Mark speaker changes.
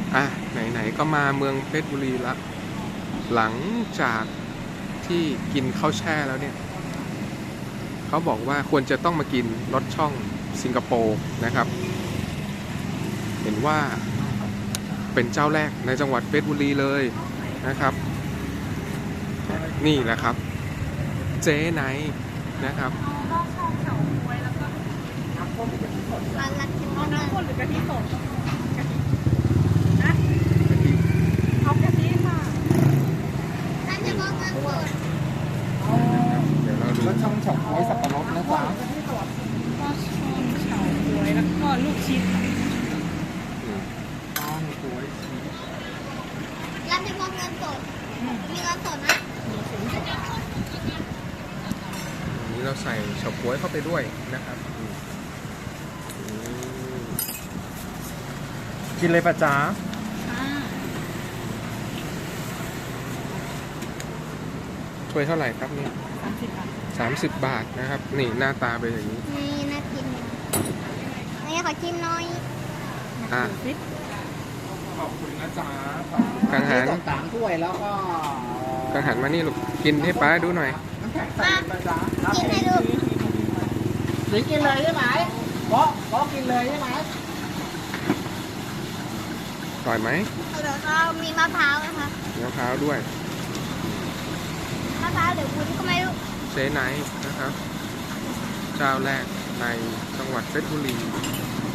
Speaker 1: อ่ะไหนๆก็มาเมืองเพชรบุรีละหลังจากที่กินข้าวแช่แล้วเนี่ยเขาบอกว่าควรจะต้องมากินรสช่องสิงคโปร์นะครับเห็นว่าเป็นเจ้าแรกในจังหวัดเพชรบุรีเลยนะครับนี่แหละครับเจ๊ไนท์นะครับ
Speaker 2: ร้านรักกิน
Speaker 3: เอา
Speaker 2: มาก
Speaker 3: น้ำข้นหรือกะทิสดกะทินะเอากะทิค่ะ
Speaker 2: ท่านจะบอกเงินสด
Speaker 1: เดี๋ยวเราดู
Speaker 4: รสช่องเฉาก๊วยสับปะรดนะจ๊ะ
Speaker 3: กะทิสดก็ช่องเฉาก๊วยแล้วก็ลูกชิ้นค่ะ
Speaker 1: อืม
Speaker 4: ช่องก๊วยชีส
Speaker 2: ร้านจะบอกเงินสดมีเงินสดนะ
Speaker 1: อันนี้เราใส่เฉาก๊วยเข้าไปด้วยนะครับอืม
Speaker 4: กินเลยปะจ๊ะ
Speaker 3: อ่า
Speaker 1: ถ้วยเท่าไหร่ครับเนี่ย
Speaker 3: 30 บาท
Speaker 1: 30 บาทนะครับ นี่หน้าตาเป็นอย่างนี้
Speaker 2: นี่น่ากินนี่ขอชิมหน่อย
Speaker 1: อ่ะ
Speaker 3: ดูสิ
Speaker 4: ขอบคุณนะจ๊ะ
Speaker 1: กังหัน
Speaker 4: สามถ้วยแล้วก็
Speaker 1: กังหันมานี่ลูกกินให้ป้าดูหน่อย
Speaker 4: น้ำแข็งใส่ปะจ๊ะ
Speaker 2: กินให้ดู
Speaker 4: หรือกินเลยใช่ไหมเพราะกินเลยใช่ไหม
Speaker 1: อร่อยไหม
Speaker 2: เดี๋ยวก็มีมะพร้าวนะคะ
Speaker 1: มีมะพร้าวด้วย
Speaker 2: มะพร้าวหรือวุ้นก็ไม่รู้
Speaker 1: เจ๊ไนท์นะครับ เจ้าแรกในจังหวัดเพชรบุรี